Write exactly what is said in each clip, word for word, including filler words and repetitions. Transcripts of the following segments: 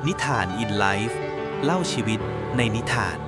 นิทานอินไลฟ์เล่าชีวิตในนิทาน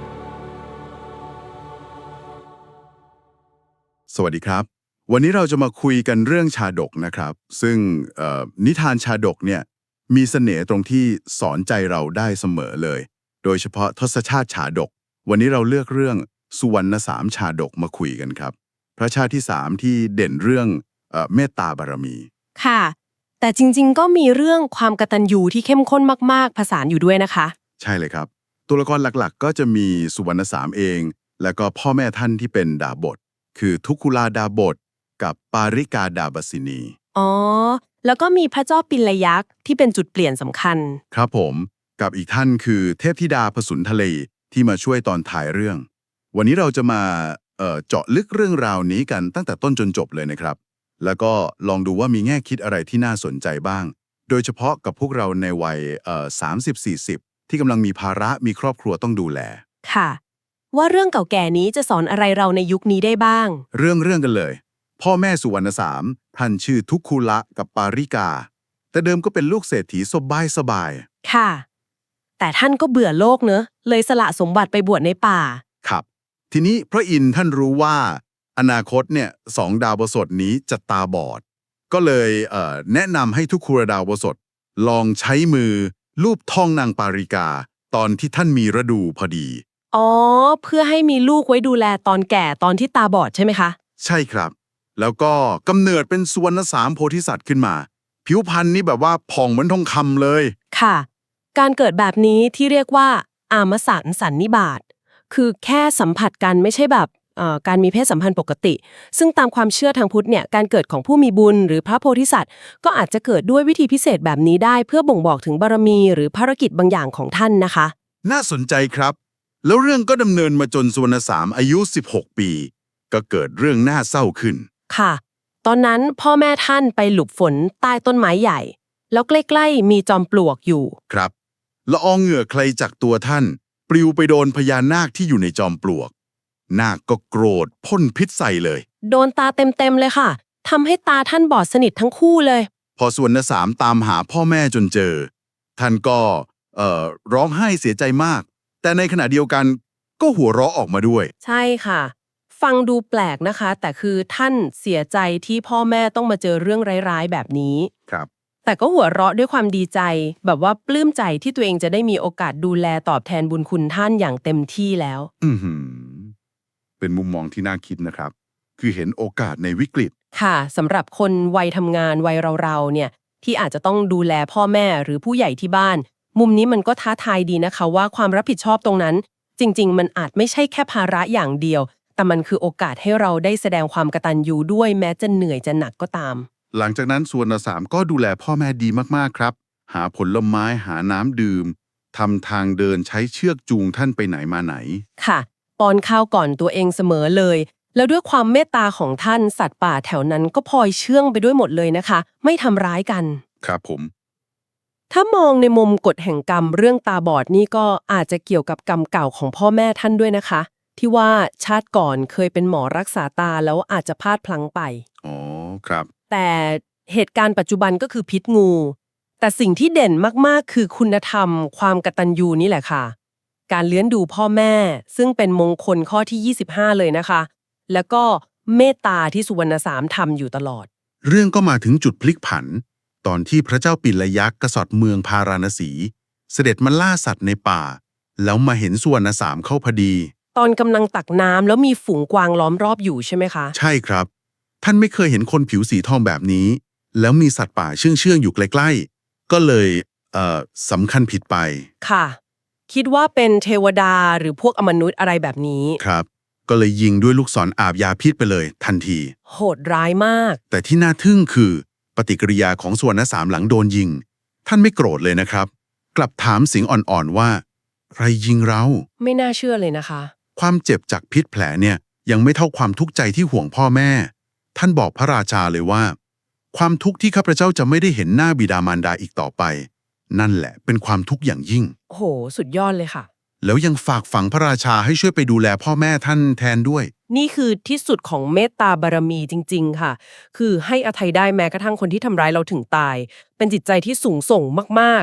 สวัสดีครับวันนี้เราจะมาคุยกันเรื่องชาดกนะครับซึ่งเอ่อนิทานชาดกเนี่ยมีเสน่ห์ตรงที่สอนใจเราได้เสมอเลยโดยเฉพาะทศชาติชาดกวันนี้เราเลือกเรื่องสุวรรณสามชาดกมาคุยกันครับพระชาติที่สามที่เด่นเรื่องเอ่อเมตตาบารมีค่ะแต่จริงๆก็มีเรื่องความกตัญญูที่เข้มข้นมากๆผสานอยู่ด้วยนะคะใช่เลยครับตัวละครหลักๆก็จะมีสุวรรณสามเองแล้วก็พ่อแม่ท่านที่เป็นดาบทคือทุกขุลาดาบทกับปาริกาดาบสินีอ๋อแล้วก็มีพระเจ้าปิลยักษ์ที่เป็นจุดเปลี่ยนสำคัญครับผมกับอีกท่านคือเทพธิดาผสุนทะเลที่มาช่วยตอนท้ายเรื่อง วันนี้เราจะมาเอ่อเจาะลึกเรื่องราวนี้กันตั้งแต่ต้นจนจบเลยนะครับ แล้วก็ลองดูว่ามีแง่คิดอะไรที่น่าสนใจบ้าง โดยเฉพาะกับพวกเราในวัยเอ่อสามสิบสี่สิบที่กำลังมีภาระมีครอบครัวต้องดูแลค่ะว่าเรื่องเก่าแก่นี้จะสอนอะไรเราในยุคนี้ได้บ้างเรื่องเรื่องกันเลย พ่อแม่สุวรรณสามท่านชื่อทุกขุละกับปาริกา แต่เดิมก็เป็นลูกเศรษฐีสบายสบายค่ะแต่ท่านก็เบื่อโลกเนอะเลยสละสมบัติไปบวชในป่าครับทีนี้พระอินทร์ท่านรู้ว่าอนาคตเนี่ยสองดาวบสดนี้จะตาบอด ก็เลยเอ่อแนะนำให้ทุกครัวดาวบสดลองใช้มือลูบท้องนางปาริกา ตอนที่ท่านมีฤดูพอดีอ๋อเพื่อให้มีลูกไว้ดูแลตอนแก่ตอนที่ตาบอดใช่ไหมคะใช่ครับ แล้วก็กำเนิดเป็นสุวรรณสามโพธิสัตว์ขึ้นมา ผิวพรรณนี่แบบว่าผ่องเหมือนทองคำเลยค่ะการเกิดแบบนี้ที่เรียกว่าอามสันสันนิบาตคือแค่สัมผัสกันไม่ใช่แบบเอ่อการมีเพศสัมพันธ์ปกติ ซึ่งตามความเชื่อทางพุทธเนี่ยการเกิดของผู้มีบุญหรือพระโพธิสัตว์ก็อาจจะเกิดด้วยวิธีพิเศษแบบนี้ได้เพื่อบ่งบอกถึงบารมีหรือภารกิจบางอย่างของท่านนะคะน่าสนใจครับ แล้วเรื่องก็ดำเนินมาจนสุวรรณสามอายุสิบหกปี ก็เกิดเรื่องน่าเศร้าขึ้นค่ะตอนนั้นพ่อแม่ท่านไปหลบฝนใต้ต้นไม้ใหญ่แล้วใกล้ๆมีจอมปลวกอยู่ครับละอองเหงื่อใครจากตัวท่าน ปลิวไปโดนพญานาคที่อยู่ในจอมปลวก นาคก็โกรธพ่นพิษใส่เลยโดนตาเต็มๆเลยค่ะทำให้ตาท่านบอดสนิททั้งคู่เลยพอสุวรรณสามตามหาพ่อแม่จนเจอ ท่านก็เอ่อร้องไห้เสียใจมาก แต่ในขณะเดียวกันก็หัวเราะออกมาด้วยใช่ค่ะฟังดูแปลกนะคะแต่คือท่านเสียใจที่พ่อแม่ต้องมาเจอเรื่องร้ายๆแบบนี้ครับแต่ก็หัวเราะด้วยความดีใจแบบว่าปลื้มใจที่ตัวเองจะได้มีโอกาสดูแลตอบแทนบุญคุณท่านอย่างเต็มที่แล้วอือหือเป็นมุมมองที่น่าคิดนะครับ คือเห็นโอกาสในวิกฤตค่ะสำหรับคนวัยทำงานวัยเราๆเนี่ยที่อาจจะต้องดูแลพ่อแม่หรือผู้ใหญ่ที่บ้าน มุมนี้มันก็ท้าทายดีนะคะว่าความรับผิดชอบตรงนั้นจริงๆมันอาจไม่ใช่แค่ภาระอย่างเดียวแต่มันคือโอกาสให้เราได้แสดงความกตัญญูด้วยแม้จะเหนื่อยจะหนักก็ตามหลังจากนั้นสุวรรณสามก็ดูแลพ่อแม่ดีมากๆครับ หาผลไม้หาน้ำดื่มทำทางเดินใช้เชือกจูงท่านไปไหนมาไหนค่ะป้อนข้าวก่อนตัวเองเสมอเลยแล้วด้วยความเมตตาของท่านสัตว์ป่าแถวนั้นก็พลอยเชื่องไปด้วยหมดเลยนะคะไม่ทำร้ายกันครับผมถ้ามองในมุมกฎแห่งกรรมเรื่องตาบอดนี่ก็อาจจะเกี่ยวกับกรรมเก่าของพ่อแม่ท่านด้วยนะคะที่ว่าชาติก่อนเคยเป็นหมอรักษาตาแล้วอาจจะพลาดพลั้งไปอ๋อครับแต่เหตุการณ์ปัจจุบันก็คือพิษงู แต่สิ่งที่เด่นมากๆคือคุณธรรมความกตัญญูนี่แหละค่ะการเลี้ยงดูพ่อแม่ซึ่งเป็นมงคลข้อที่ยี่สิบห้าเลยนะคะแล้วก็เมตตาที่สุวรรณสามทำอยู่ตลอดเรื่องก็มาถึงจุดพลิกผัน ตอนที่พระเจ้าปิลยักษ์กษัตริย์เมืองพาราณสี เสด็จมาล่าสัตว์ในป่า แล้วมาเห็นสุวรรณสามเข้าพอดีตอนกำลังตักน้ำแล้วมีฝูงกวางล้อมรอบอยู่ใช่ไหมคะใช่ครับ ท่านไม่เคยเห็นคนผิวสีทองแบบนี้ แล้วมีสัตว์ป่าเชื่องเชื่องอยู่ใกล้ๆ ก็เลยเอ่อสำคัญผิดไปค่ะคิดว่าเป็นเทวดาหรือพวกอมนุษย์อะไรแบบนี้ครับ ก็เลยยิงด้วยลูกศรอาบยาพิษไปเลยทันทีโหดร้ายมากแต่ที่น่าทึ่งคือปฏิกิริยาของสุวรรณสามหลังโดนยิง ท่านไม่โกรธเลยนะครับ กลับถามเสียงอ่อนๆว่าใครยิงเราไม่น่าเชื่อเลยนะคะความเจ็บจากพิษแผลเนี่ยยังไม่เท่าความทุกข์ใจที่ห่วงพ่อแม่ ท่านบอกพระราชาเลยว่า ความทุกข์ที่ข้าพเจ้าจะไม่ได้เห็นหน้าบิดามารดาอีกต่อไป นั่นแหละเป็นความทุกข์อย่างยิ่งโอ้โหสุดยอดเลยค่ะแล้วยังฝากฝังพระราชาให้ช่วยไปดูแลพ่อแม่ท่านแทนด้วยนี่คือที่สุดของเมตตาบารมีจริงๆค่ะคือให้อภัยได้แม้กระทั่งคนที่ทำร้ายเราถึงตายเป็นจิตใจที่สูงส่งมากๆ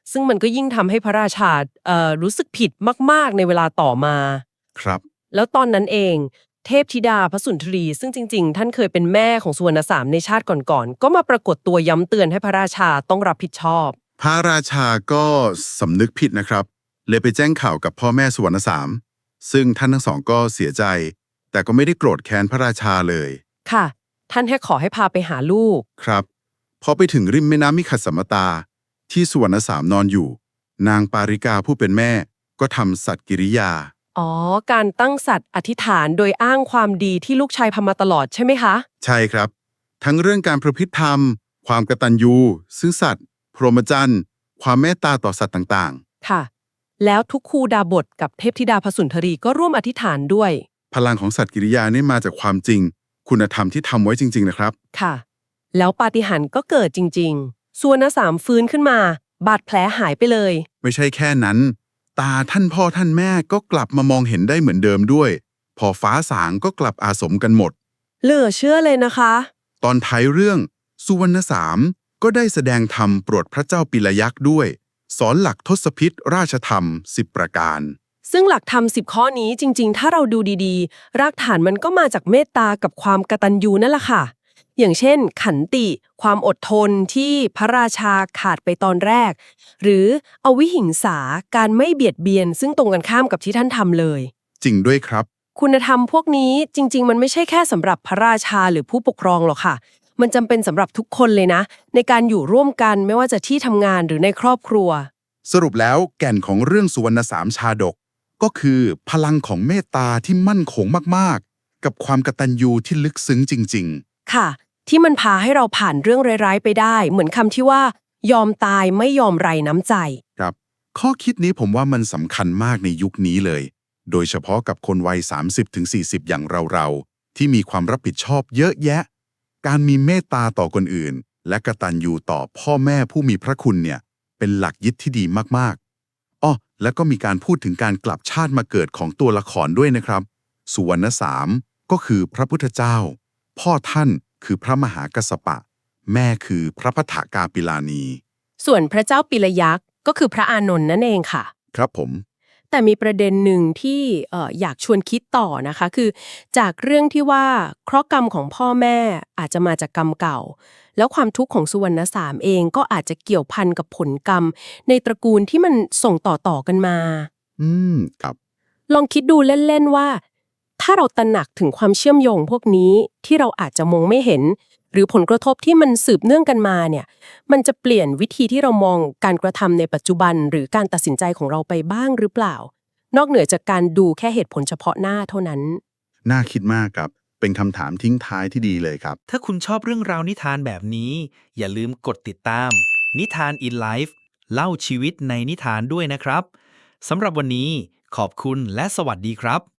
ซึ่งมันก็ยิ่งทำให้พระราชาเอ่อรู้สึกผิดมากๆในเวลาต่อมาครับแล้วตอนนั้นเองเทพธิดาพระสุนทรี ซึ่งจริงๆท่านเคยเป็นแม่ของสุวรรณสามในชาติก่อนๆก็มาปรากฏตัวย้ำเตือนให้พระราชาต้องรับผิดชอบพระราชาก็สำนึกผิดนะครับ เลยไปแจ้งข่าวกับพ่อแม่สุวรรณสาม ซึ่งท่านทั้งสองก็เสียใจ แต่ก็ไม่ได้โกรธแค้นพระราชาเลยค่ะ ท่านแค่ขอให้พาไปหาลูกครับ พอไปถึงริมแม่น้ำมิขัดสมตา ที่สุวรรณสามนอนอยู่ นางปาริกาผู้เป็นแม่ก็ทำสัตย์กิริยาอ๋อ การตั้งสัตว์อธิษฐานโดยอ้างความดีที่ลูกชายทำมาตลอดใช่ไหมคะใช่ครับ ทั้งเรื่องการประพฤติธรรม ความกตัญญูซื่อสัตย์พรหมจรรย์ความเมตตาต่อสัตว์ต่างค่ะ แล้วทุกคูดาบทกับเทพธิดาพระสุนทรีก็ร่วมอธิษฐานด้วยๆ พลังของสัตย์กิริยานี่มาจากความจริง คุณธรรมที่ทำไว้จริงๆนะครับค่ะ แล้วปาฏิหาริย์ก็เกิดจริงๆสุวรรณสามฟื้นขึ้นมา บาดแผลหายไปเลยไม่ใช่แค่นั้น ตาท่านพ่อท่านแม่ก็กลับมามองเห็นได้เหมือนเดิมด้วย พอฟ้าสางก็กลับอาสมกันหมดเหลือเชื่อเลยนะคะตอนท้ายเรื่องสุวรรณสามก็ได้แสดงธรรมโปรดพระเจ้าปิลยักษ์ด้วย สอนหลักทศพิธราชธรรมสิบประการซึ่งหลักธรรมสิบข้อนี้จริงๆ ถ้าเราดูดีๆ รากฐานมันก็มาจากเมตตากับความกตัญญูนั่นแหละค่ะ อย่างเช่น ขันติ ความอดทนที่พระราชาขาดไปตอนแรก หรืออวิหิงสาการไม่เบียดเบียน ซึ่งตรงกันข้ามกับที่ท่านทำเลยจริงด้วยครับคุณธรรมพวกนี้จริงๆ มันไม่ใช่แค่สำหรับพระราชาหรือผู้ปกครองหรอกค่ะ มันจำเป็นสำหรับทุกคนเลยนะ ในการอยู่ร่วมกันไม่ว่าจะที่ทำงานหรือในครอบครัวสรุปแล้วแก่นของเรื่องสุวรรณสามชาดก ก็คือพลังของเมตตาที่มั่นคงมากๆ กับความกตัญญูที่ลึกซึ้งจริงๆค่ะ ที่มันพาให้เราผ่านเรื่องร้ายๆไปได้ เหมือนคำที่ว่า ยอมตายไม่ยอมไรน้ำใจครับข้อคิดนี้ผมว่ามันสำคัญมากในยุคนี้เลย โดยเฉพาะกับคนวัย สามสิบถึงสี่สิบ อย่างเราๆ ที่มีความรับผิดชอบเยอะแยะ การมีเมตตาต่อคนอื่น และกตัญญูต่อพ่อแม่ผู้มีพระคุณเนี่ยเป็นหลักยึดที่ดีมากๆอ้อแล้วก็มีการพูดถึงการกลับชาติมาเกิดของตัวละครด้วยนะครับ สุวรรณสามก็คือพระพุทธเจ้า พ่อท่านคือพระมหากัสสปะ แม่คือพระพัฒกาปิลานีส่วนพระเจ้าปิลยักษ์ก็คือพระอานนท์นั่นเองค่ะครับผมแต่มีประเด็นหนึ่งที่เอ่ออยากชวนคิดต่อนะคะ คือจากเรื่องที่ว่าเคราะห์กรรมของพ่อแม่อาจจะมาจากกรรมเก่า แล้วความทุกข์ของสุวรรณสามเองก็อาจจะเกี่ยวพันกับผลกรรม ในตระกูลที่มันส่งต่อๆกันมาอืมครับลองคิดดูเล่นๆว่า ถ้าเราตระหนักถึงความเชื่อมโยงพวกนี้ที่เราอาจจะมองไม่เห็น หรือผลกระทบที่มันสืบเนื่องกันมาเนี่ยมันจะเปลี่ยนวิธีที่เรามองการกระทำในปัจจุบัน หรือการตัดสินใจของเราไปบ้างหรือเปล่า นอกเหนือจากการดูแค่เหตุผลเฉพาะหน้าเท่านั้นน่าคิดมากครับ เป็นคำถามทิ้งท้ายที่ดีเลยครับถ้าคุณชอบเรื่องราวนิทานแบบนี้ อย่าลืมกดติดตาม นิทาน in Life เล่าชีวิตในนิทานด้วยนะครับ สำหรับวันนี้ขอบคุณและสวัสดีครับ